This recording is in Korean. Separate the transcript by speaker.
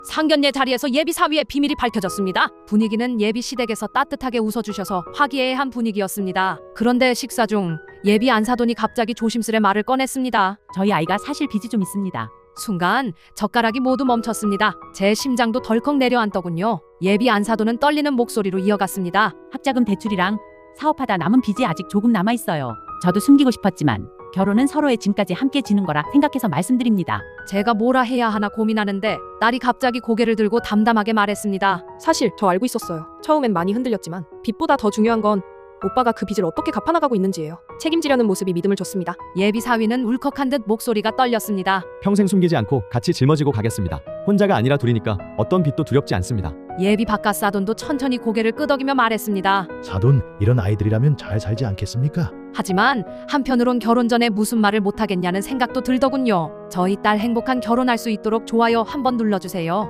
Speaker 1: 상견례 자리에서 예비 사위의 비밀이 밝혀졌습니다. 분위기는 예비 시댁에서 따뜻하게 웃어주셔서 화기애애한 분위기였습니다. 그런데 식사 중 예비 안사돈이 갑자기 조심스레 말을 꺼냈습니다.
Speaker 2: 저희 아이가 사실 빚이 좀 있습니다.
Speaker 1: 순간 젓가락이 모두 멈췄습니다. 제 심장도 덜컥 내려앉더군요. 예비 안사돈은 떨리는 목소리로 이어갔습니다.
Speaker 2: 학자금 대출이랑 사업하다 남은 빚이 아직 조금 남아있어요. 저도 숨기고 싶었지만 결혼은 서로의 짐까지 함께 지는 거라 생각해서 말씀드립니다.
Speaker 1: 제가 뭐라 해야 하나 고민하는데 딸이 갑자기 고개를 들고 담담하게 말했습니다.
Speaker 3: 사실 저 알고 있었어요. 처음엔 많이 흔들렸지만 빚보다 더 중요한 건 오빠가 그 빚을 어떻게 갚아나가고 있는지예요. 책임지려는 모습이 믿음을 줬습니다.
Speaker 1: 예비 사위는 울컥한 듯 목소리가 떨렸습니다.
Speaker 4: 평생 숨기지 않고 같이 짊어지고 가겠습니다. 혼자가 아니라 둘이니까 어떤 빚도 두렵지 않습니다.
Speaker 1: 예비 바깥 사돈도 천천히 고개를 끄덕이며 말했습니다.
Speaker 5: 사돈, 이런 아이들이라면 잘 살지 않겠습니까?
Speaker 1: 하지만 한편으론 결혼 전에 무슨 말을 못하겠냐는 생각도 들더군요. 저희 딸 행복한 결혼할 수 있도록 좋아요 한번 눌러주세요.